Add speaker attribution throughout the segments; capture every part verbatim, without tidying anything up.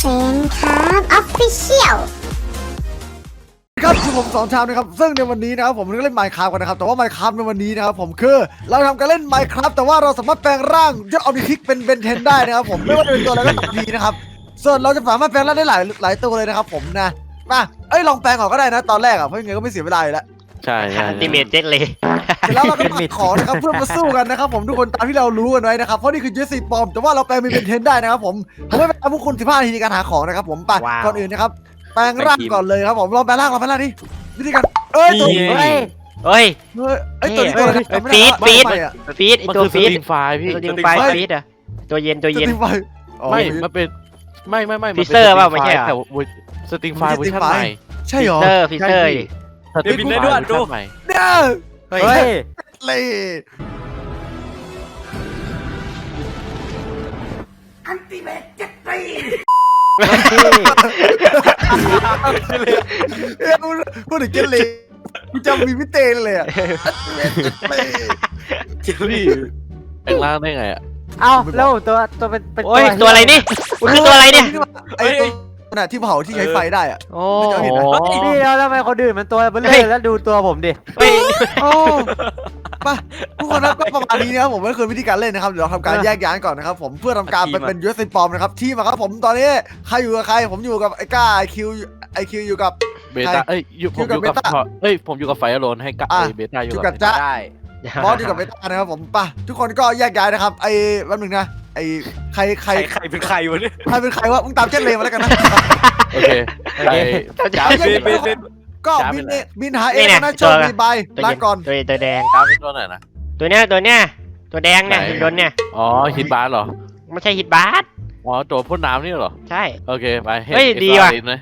Speaker 1: ฟนครับออฟฟิเชียล
Speaker 2: ครับคือผมสองชามนะครับซึ่งในวันนี้นะครับผมก็เล่น Minecraft กันนะครับแต่ว่า Minecraft ในวันนี้นะครับผมคือเราทำการเล่น Minecraft แต่ว่าเราสามารถแปลงร่างยอดออมนิทิกเป็นเบนเทนได้นะครับผมไม่ว่าจะเป็นตัวอะไรก็ตามทีนะครับส่วนเราจะสามารถแปลงร่างได้หลายหลายตัวเลยนะครับผมนะมาเอ้ยลองแปลงออกก็ได้นะตอนแรกอ่ะเพราะยังไงก็ไม่เสียเวลาอยู่แล้ว
Speaker 3: ใช่ใช่
Speaker 4: อันติเมทเจ็ตเลย
Speaker 2: เสร็จแล้วเราก็ตัดของนะครับเพื่อมาสู้กันนะครับผมทุกคนตามที่เรารู้กันไว้นะครับเพราะนี่คือเจสซี่ปอมแต่ว่าเราแปลงเป็นเบนเทนได้นะครับผมผมไม่เป็นพวกคุณสิบห้านาทีในการหาของนะครับผมไป
Speaker 4: ว้าว
Speaker 2: ก่อนอื่นนะครับแปลงร่างก่อนเลยครับผมลองแปลงร่างลองแปลงร่างดิวิธีการเอ้ยตัว
Speaker 4: เฮ้ยเฮ้ย
Speaker 2: เฮ้ยไอ้ตัวนี้ตัวอะไร
Speaker 4: เฮ้ย
Speaker 2: จำไม่ได้
Speaker 4: ฟีด
Speaker 2: ว่าไม่อะ
Speaker 4: ฟีดไอ
Speaker 3: มัน
Speaker 4: ตัว
Speaker 3: คือส
Speaker 4: ฟีด
Speaker 3: ตริงไฟล์พี่
Speaker 4: ตัวยิงไฟฟีดอะตัวเย็นตัวเย็น
Speaker 2: สตรีมไฟอ๋อ
Speaker 3: ไม่มันเป็นไม่ไม่ไม่
Speaker 4: ฟิเซอร์เปล่าไม่ใช่เหรอ
Speaker 3: แต่สตริงไฟล์เวอร์ชันใหม่
Speaker 2: ใช่เหรอ
Speaker 4: เซอร์ฟิเซอร์
Speaker 3: สตริงไฟล์เวอร์ชันใหม่
Speaker 2: เนี่ย
Speaker 4: เฮ้ย
Speaker 3: เฮ้ย
Speaker 2: เลยเอ้ยพูดถึงเกลเลยกูจำมีพิเตนเลยอ่ะ
Speaker 3: พี่แปลงร่างได้ไงอ่ะ
Speaker 5: เอ้าแล้วตัวตัวเป็นเป็น
Speaker 4: โอ้ยตัวอะไรนี่มันคือตัวอะไรเนี่ย
Speaker 2: ไอ้ตัวน่ะที่เผาที่ใช้ไฟได้อ่ะ
Speaker 4: โอ้
Speaker 2: ไม่เจอ
Speaker 3: อ๋อ
Speaker 5: พี่แล้วทำไมคนอื่นมันตัวเบล
Speaker 4: เฮ้
Speaker 5: เลย แล้วดูตัวผมดิ
Speaker 4: เฮ้ย
Speaker 2: โอ้มาทุกคนนะก็ประมาณนี้นะครับผมไม่เคยวิธีการเล่นนะครับเดี๋ยวเราทำการแยกย้ายก่อนนะครับผมเพื่อทำการไปเป็นยูเอสปอมนะครับที่มาครับผมตอนนี้ใครอยู่กับใครผมอยู่กับไอ้ก้าไอคิวไอคิวอยู่กับ
Speaker 3: เบต้าเอ้ยอยู่ผมอยู่กับเอ้ยผมอยู่กับไฟอโลนให้กับ
Speaker 2: อ่ะ
Speaker 3: เบต้าอ
Speaker 2: อยู่ ยู่
Speaker 3: กั
Speaker 2: กั
Speaker 3: บบ
Speaker 2: จ๊ะ
Speaker 5: ได้
Speaker 2: บอสอยู่กับเบต้านะครับผมป่ะทุกคนก็แยกย้ายนะครับไอ้แป๊บนึงนะไอ้ใครใคร
Speaker 6: ใครเป็นใครวะเนี่ย
Speaker 2: ใครเป็นใครวะมึงตามเจนเลมาแล้วกันนะ
Speaker 3: โอเคไอ้จ้า
Speaker 2: เบนเบนเบน ก็บินเองบินหาเองนะโชคดีบาย
Speaker 4: ตัว
Speaker 2: ลา
Speaker 4: เย็น
Speaker 2: ก่อน
Speaker 4: ตัวตัวแดง
Speaker 3: จ้าเป็นตัวไหนนะ
Speaker 4: ตัวเนี้ยตัวเนี้ยตัวแดงเนี่ย
Speaker 3: ไหน
Speaker 4: หินโดนเนี่ย
Speaker 3: อ๋อฮิตบาร์เหรอ
Speaker 4: ไม่ใช่ฮิตบาส
Speaker 3: อ๋อตัวพ่นน้ำนี่เหรอ
Speaker 4: ใช่
Speaker 3: โอเคไป
Speaker 4: เฮ้ยดีว่ะ
Speaker 3: เลย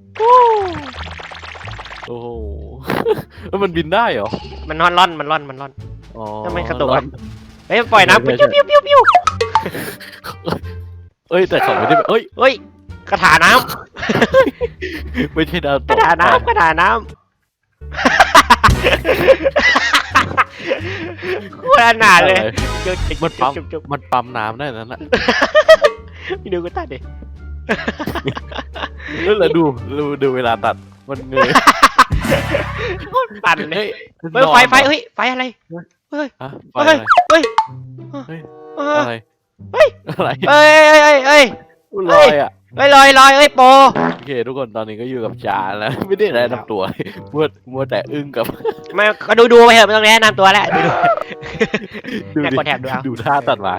Speaker 3: โอ้โหแล้วมันบินได้เหรอ
Speaker 4: มันนอนร่อนมันร่อนมันร่อน
Speaker 3: อ๋อ
Speaker 4: ทำไมกระตุกอะ เฮ้ยปล่อยน้ำปิ้วปิ้วปิ้วปิ้ว
Speaker 3: เอ้ยแต่เขาไม่ได้เอ้ย
Speaker 4: เฮ้ยกระถาน้
Speaker 3: ไม่ใช่ดาว
Speaker 4: ำ
Speaker 3: ต
Speaker 4: กระ
Speaker 3: ก
Speaker 4: ถาน้ำกระถาน้ำโคตรอนาถเลยจุ๊บจุ๊บ
Speaker 3: มันปั๊ม
Speaker 4: จุ๊บจุ๊บ
Speaker 3: มันปั๊มน้ำได้นั่นแหละ
Speaker 4: พี่ดูกูตัดดิ
Speaker 3: แล้วดูดูดูเวลาตัดมันเงย
Speaker 4: ปั่นเลย
Speaker 3: เฮ้ย
Speaker 4: เฮ้ยไฟไฟเฮ้ยไฟอะไรเฮ้ย
Speaker 3: ฮะไฟ
Speaker 4: เฮ้ย
Speaker 3: อะไร
Speaker 4: เฮ้ย
Speaker 3: เฮ้ย
Speaker 4: เฮ้
Speaker 3: อะไร
Speaker 4: ยเฮ้ย
Speaker 3: อะไร
Speaker 4: เฮ้ยเฮ้ยเฮ้ย
Speaker 3: ลอยอ่ะ
Speaker 4: เฮ้ยลอยลอยเฮ้ยโป
Speaker 3: โอเคทุกคนตอนนี้ก็อยู่กับจาแล้วไม่ได้แนะนำตัวมัวมัวแต่อึ้งกับ
Speaker 4: ไม่ก็ดูดูไปเถอะไม่ต้องแนะนำตัวแล้วดูดู
Speaker 3: ดู
Speaker 4: แอบ
Speaker 3: ดิ
Speaker 4: กดแถบดูเอา
Speaker 3: ดูท่าตัดไม้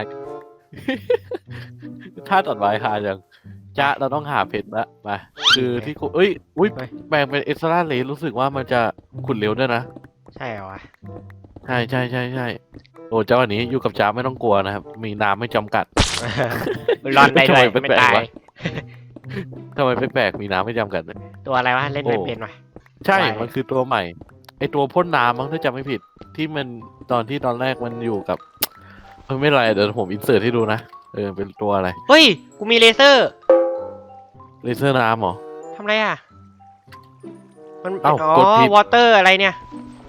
Speaker 3: ท่าตัดไม้หาจังจ้าเราต้องหาเพชรละมาคือที่กูเอ้ยอุ้ยแบ่งเป็นเอ็กซ์ตร้าเลสรู้สึกว่ามันจะขุดเร็วด้วยนะ
Speaker 4: ใช่เหรอวะ
Speaker 3: ใช่ใช่ใช่ใช่โอ้เจ้าวันนี้อยู่กับจ้าไม่ต้องกลัวนะครับ มีน้ำไม่จำกัด
Speaker 4: รอนได้ด้วย
Speaker 3: ทำไม
Speaker 4: ไม่
Speaker 3: แปลกๆ
Speaker 4: ตายว
Speaker 3: ะ ทำไมแปลกๆมีน้ำไม่จำกัดเลย
Speaker 4: ตัวอะไรวะเล่นไม่เป็นวะ
Speaker 3: ใช่
Speaker 4: ใช่
Speaker 3: มันคือตัวใหม่ ไอตัวพ่นน้ำมั้งถ้าจำไม่ผิด ที่มันตอนที่ตอนแรกมันอยู่กับเออไม่เป็นไรเดี๋ยวผมอินเสิร์ตให้ดูนะ เออเป็นตัวอะไร
Speaker 4: เฮ้ยกูมีเลเซอร์
Speaker 3: เลเซอร์น้ำเหรอ
Speaker 4: ทำไรอ่ะมัน
Speaker 3: เอ้า
Speaker 4: อ๋อก
Speaker 3: ดผิด
Speaker 4: วอเตอร์อะไรเนี่ย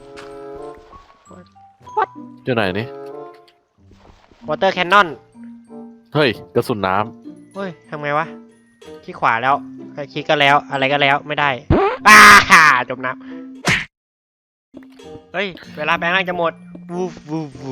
Speaker 3: อยู่ไหนนี่
Speaker 4: วอเตอร์แคนนอน
Speaker 3: เฮ้ยกระสุนน้
Speaker 4: เฮ้ยทำไงวะคลิกขวาแล้วคลิกก็แล้วอะไรก็แล้วไม่ได้อ้าจมน้ำเฮ้ยเวลาแปลงร่างจะหมดวูวูวู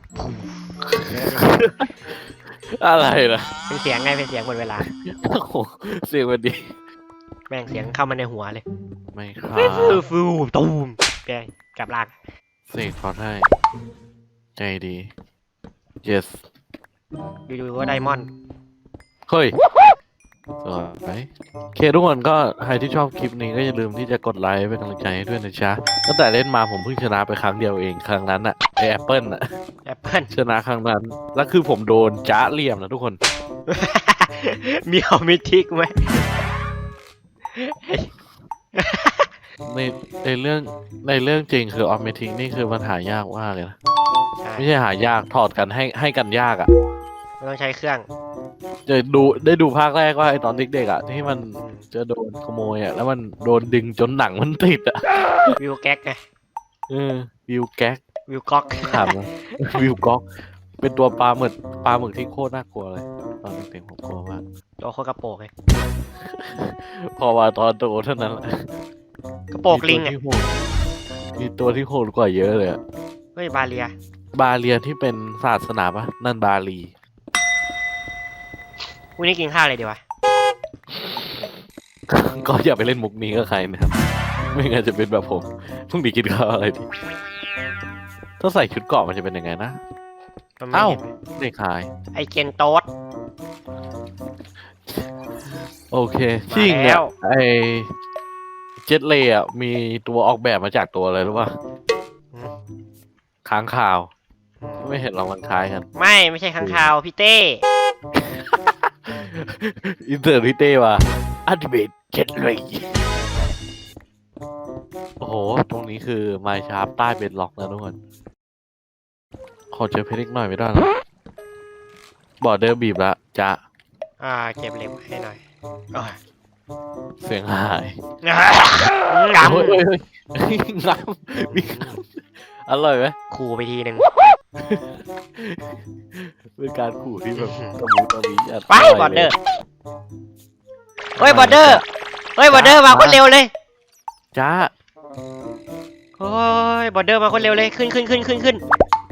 Speaker 3: ำอะไรล่ะ
Speaker 4: เป็นเสียงไงเป็นเสียงหมดเวลา
Speaker 3: โอ้โหเสียงมันดี
Speaker 4: แม่งเสียงเข้ามาในหัวเลย
Speaker 3: ไม่ครับ
Speaker 4: ฟูฟูตูมแปลงกลับร่าง
Speaker 3: เสกขอให้ใจดี yes
Speaker 4: อยู่ๆก็ไดมอนด์
Speaker 3: เฮ้ยสวยโอเคทุกคนก็ใครที่ชอบคลิปนี้ก็อย่าลืมที่จะกดไลค์เป็นกำลังใจให้ด้วยนะจ๊ะตั้งแต่เล่นมาผมเพิ่งชนะไปครั้งเดียวเองครั้งนั้นอะไอแอปเปิลอะ
Speaker 4: แอปเปิ้ล
Speaker 3: ชนะครั้งนั้น แล้วคือผมโดนจ้าเหลี่ยมนะทุกคน
Speaker 4: มีเอามิทิกไหม
Speaker 3: ในในเรื่องในเรื่องจริงคือออมเมทิงนี่คือมันหายากมากเลยนะ ไม่ใช่หายากถอดกันให้ให้กันยากอะ
Speaker 4: ไม่ต้องใช้เครื่อง
Speaker 3: จะดูได้ดูภาคแรกว่าไอตอนเด็กๆอะที่มันจะโดนขโมยอะแล้วมันโดนดึงจนหนังมันติดอะ
Speaker 4: วิวแก๊กไง
Speaker 3: เออวิวแก๊ก
Speaker 4: วิวก๊อก
Speaker 3: ถามนะ วิวก๊อกเป็นตัวปลาหมึกปลาหมึกที่โคตรน่ากลัวเลย
Speaker 4: เ
Speaker 3: ตอนเด็กๆผมกลัวมาก
Speaker 4: ตัวโคตรกระโปรงเลย
Speaker 3: พอมาตอนโตเท่านั้นแหละ
Speaker 4: กระโปรงลิง
Speaker 3: มี
Speaker 4: อ่ะ
Speaker 3: ตัวที่โหดมีตัวที่โหดกว่าเยอะเลยอะ
Speaker 4: เฮ้ยบาเลีย
Speaker 3: บาเลียที่เป็นศาสนาปะนั่นบาลี
Speaker 4: วันนี้กินข้าวอะไรดีวะ
Speaker 3: ก็อย่าไปเล่นมุกนี้กับใครนะครับ ไม่งั้นจะเป็นแบบผมพรุ่งนี้กินข้าวอะไรดีถ้าใส่ชุดเกราะมันจะเป็นยังไงนะ
Speaker 4: มันไม่
Speaker 3: เอ้า
Speaker 4: เห็นไหม
Speaker 3: ไม่ขาย
Speaker 4: ไอเกนโต๊ด
Speaker 3: โอเคชิ่งเนี่
Speaker 4: แล้
Speaker 3: ยว ไอเจ็ตเลย์อ่ะมีตัวออกแบบมาจากตัวอะไรรู้ป่ะค้างคาว ไม่เห็นหรอกมันคล้ายกัน
Speaker 4: ไม่ไม่ใช่ข้างคาวพี่เต้
Speaker 3: อินเตอร์ริเต้ว่ะอัลติเมทเจ็ตเลย์โอ้โห ตรงนี้คือไมชาร์ปใต้เบดล็อกนะทุกคน ขอเจอเพชรอีกหน่อยไม่ได้หรอบอร์เดอร์บีบละจะ
Speaker 4: อ่าเก็บเหล็กให้หน่อยโอ้ย
Speaker 3: เสียงหาย
Speaker 4: ง
Speaker 3: เฮ้ยเฮ้ยเฮ้ยงามมีงามอร่อยไหม
Speaker 4: ำขู่ไปทีหนึ่ง
Speaker 3: เป็นการขู่ที่แบบตะมูตะมีะ
Speaker 4: ไปบอร์เดอร์เฮ้ยบอร์เดอร์เฮ้ยบอร์เดอร์มาคนเร็วเลย
Speaker 3: จ้า
Speaker 4: โอ้ยบอร์เดอร์มาคนเร็วเลยขึ้นขึ้นขึ้นขึ้นขึ้น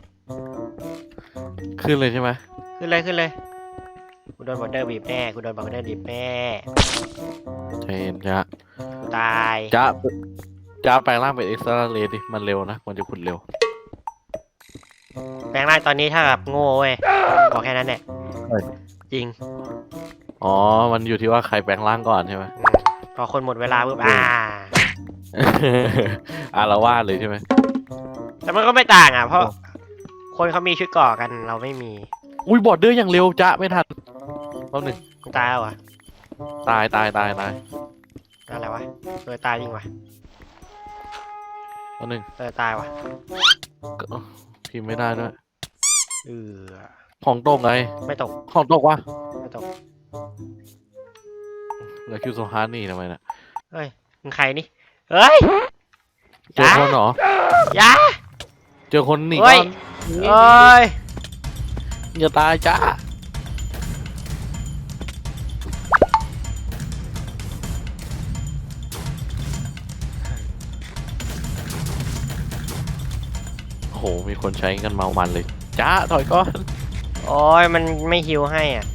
Speaker 3: ขึ้นเลยใช่ไหม
Speaker 4: ขึ้นเลยขึ้นเลยกูโดนบอร์เดอร์บีบแน่กูโดนบอร์เดอร์บีบแน่
Speaker 3: ใจเย็นจ้า
Speaker 4: กูตาย
Speaker 3: จ้าจ้าแปลงร่างเป็นเอ็กซ์ตร้าเลดิมันเร็วนะมันจะขุดเร็ว
Speaker 4: แปลงร่างตอนนี้ถ้าแบบโง่เว้ยบอกแค่นั้นแหละ
Speaker 3: เฮ้ย
Speaker 4: จริง
Speaker 3: อ๋อ มันอยู่ที่ว่าใครแปลงร่างก่อนใช่ไหม
Speaker 4: อืมพอคนหมดเวลาปุ๊บอ่า
Speaker 3: อาละว่าดเลยใช่ไหม
Speaker 4: แต่มันก็ไม่ต่างอ่ะเพราะคนเขามีชุดเก่อกันเราไม่มี
Speaker 3: อุ้ยบอร์เดอร์อย่างเร็วจ้าไม่ทันรอบหนึ่ง
Speaker 4: กูตายแล้วเหรอ
Speaker 3: ตายตายตายตาย
Speaker 4: อะไรวะเออตายจริงวะ
Speaker 3: รอบหนึ่ง
Speaker 4: เออตายวะ
Speaker 3: ก็พิมพ์ไม่ได้ด้วย
Speaker 4: เออ
Speaker 3: ของตกไง
Speaker 4: ไม่ตก
Speaker 3: ของตกวะ
Speaker 4: ไม่ตก
Speaker 3: แล้วคิวโซฮาร์นี่ทำไมน่ะ
Speaker 4: เฮ้ยมึงใครนี่เฮ้ย
Speaker 3: เจอคนเหรอ
Speaker 4: อยา
Speaker 3: เจอคนหนี
Speaker 4: เฮ้
Speaker 3: ก่
Speaker 4: ย
Speaker 3: อน
Speaker 4: เอ้ย
Speaker 3: อย่าตายจ้าโอ้โห มีคนใช้กันเมามันเลย จ้า ถอยก่อน
Speaker 4: โอ้ยมันไม่ฮิวให้อ่ะ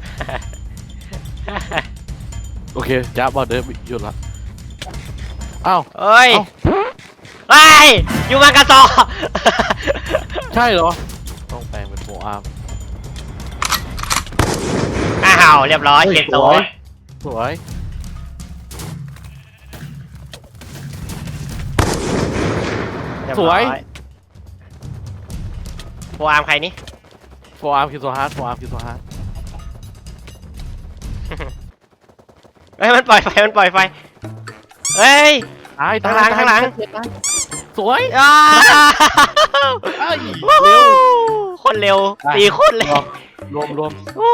Speaker 3: โอเค จ้าบอร์เดอร์หยุดละอ้าว
Speaker 4: เอ้ย
Speaker 3: เอ้า
Speaker 4: เฮ้ยอยู่มากระสอบ
Speaker 3: ใช่เหรอ ต้องแปลงเป็นโฟอาร์ม
Speaker 4: อ้าวเรียบร้อยเกนโต
Speaker 3: สวย สวย
Speaker 4: เรีบ
Speaker 3: ส
Speaker 4: ร้อ
Speaker 3: วย
Speaker 4: โฟอาร์มใครนี่
Speaker 3: โฟอาร์มคิวโซฮาร์ดโฟอาร์มคิวโซฮาร์ด
Speaker 4: เฮ้ยมันปล่อยไฟมันปล่อยไฟเฮ้ย
Speaker 3: ตาย
Speaker 4: ข้างหลังข้างหลัง
Speaker 3: ตายสวย
Speaker 4: อ้า
Speaker 3: เอ้ย
Speaker 4: เร็
Speaker 3: เร็
Speaker 4: ว
Speaker 3: ว
Speaker 4: คนเร็ว
Speaker 3: อ่ะ
Speaker 4: ตีคนเร็ว
Speaker 3: รวมรวม
Speaker 4: อู้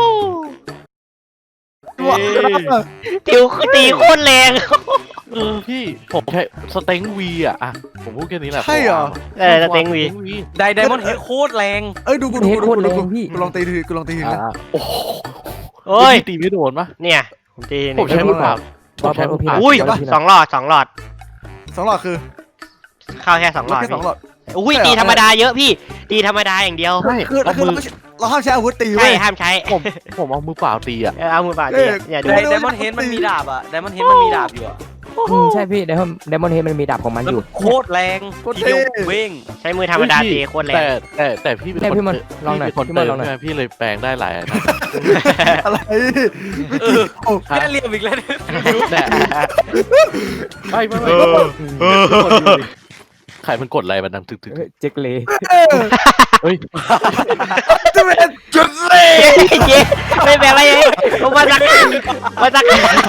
Speaker 2: ตัว
Speaker 4: ติวคือตีโคตรแรง
Speaker 3: เออพี่ผมใช้สเต็งวีอ่ะอะผมพูดแค่นี้แหละ
Speaker 2: ใช่เหรอ
Speaker 4: เออสเต็งวี
Speaker 5: ไดไดมอนด์เฮดโคตรแรง
Speaker 2: เอ้ยดูกูดูกูดูกูดูกู
Speaker 6: พี่
Speaker 2: กูลองตีทีกูลองตีทีนะ
Speaker 3: อ่าโอ้โห
Speaker 4: โอ้ย
Speaker 3: พี่ตีไม่โดนปะ
Speaker 4: เนี่ยผมตีห
Speaker 3: ผม
Speaker 4: นึ่ง
Speaker 3: ใช้มือเปล่าผมใช้มือเปล่า
Speaker 4: อุ้ยสองหลอดสองหลอด
Speaker 2: สองหลอดคือ
Speaker 4: เข้าแค่สองหลอด
Speaker 2: แค่สองหลอด
Speaker 4: อุ้ยตีธรรมดาเยอะพี่ตีธรรมดาอย่างเดียว
Speaker 3: ใช่
Speaker 2: คือ
Speaker 3: เอา
Speaker 2: คือ
Speaker 3: มือ
Speaker 2: เราห้ามใช้อาวุธตี
Speaker 4: ใช่
Speaker 2: เว้ย
Speaker 4: ห้ามใช้
Speaker 3: ผมผมเอามือเปล่าตีอ่ะ
Speaker 4: เออเอามือเปล่า
Speaker 2: เอ้
Speaker 4: ตี
Speaker 2: ย
Speaker 4: อย่าดู
Speaker 5: ไดไดมอนด์เฮดมันมีดาบอะไดมอนด์เฮดมันมีดาบอยู่อะ
Speaker 6: อืมใช่พี่ไดมอนไดมอนเฮดมันมีดาบของมัน
Speaker 5: แล้ว
Speaker 6: อยู่
Speaker 5: มันโคตรแรงทีเดียวเว้ง
Speaker 4: ใช้มือธรรมดาตีโคตรแรง
Speaker 3: แต่แต่แต่พี่เป็น
Speaker 6: เนี่ย
Speaker 3: คน
Speaker 6: พี่มันลองหน่อย
Speaker 3: พี่เป็นคน
Speaker 6: พี่มัน
Speaker 3: เติ
Speaker 6: ล
Speaker 3: ม
Speaker 6: องหน่อย
Speaker 3: ใช่ไหมพี่เลยแปลงได้หลายอันนะ
Speaker 2: อะไร
Speaker 5: เออแค่เรียมอีกแล้วเนี่ย
Speaker 3: แต่ไม่ไม่ไม่ทุกคนดูดิใครมันกดอะไรมันดังตึกตึก
Speaker 6: เฮ้ยเจ็กเล
Speaker 2: เออ
Speaker 3: เฮ้ย
Speaker 2: จะเป็นจุดเลย
Speaker 4: เจ๊ไม่เป็นไรเองผมมาสักมาสัก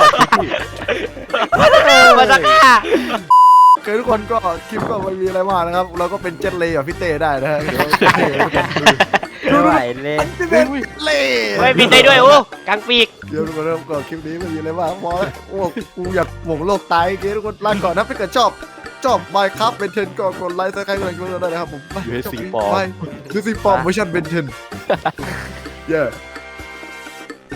Speaker 4: มาสัก
Speaker 2: โอเคทุกคนก็คลิปก็ไม่มีอะไรมากนะครับ เราก็เป็นเจ็ตเลย์กับพี่เต้ได้นะฮะเดี๋ยว
Speaker 6: ไม่ไหวเลย
Speaker 2: อันที่เป็นเล่
Speaker 4: เฮ้ยบินได้ด้วยโอ้กลางปีก
Speaker 2: เดี๋ยวทุกคนเริ่มก่อนคลิปนี้ไม่มีอะไรมากพอแล้วโอ้กูอยากหม่งโลกตายเกทุกคนลาก่อนนะถ้าเกิดชอบชอบไมค์ครับเบนเทนก็กดไลค์ซับสไครต์กันได้นะครับผม
Speaker 3: ยูเอสซีปอร์
Speaker 2: ยูเอสซีปอร์เวอร์ชันเบนเทนเย้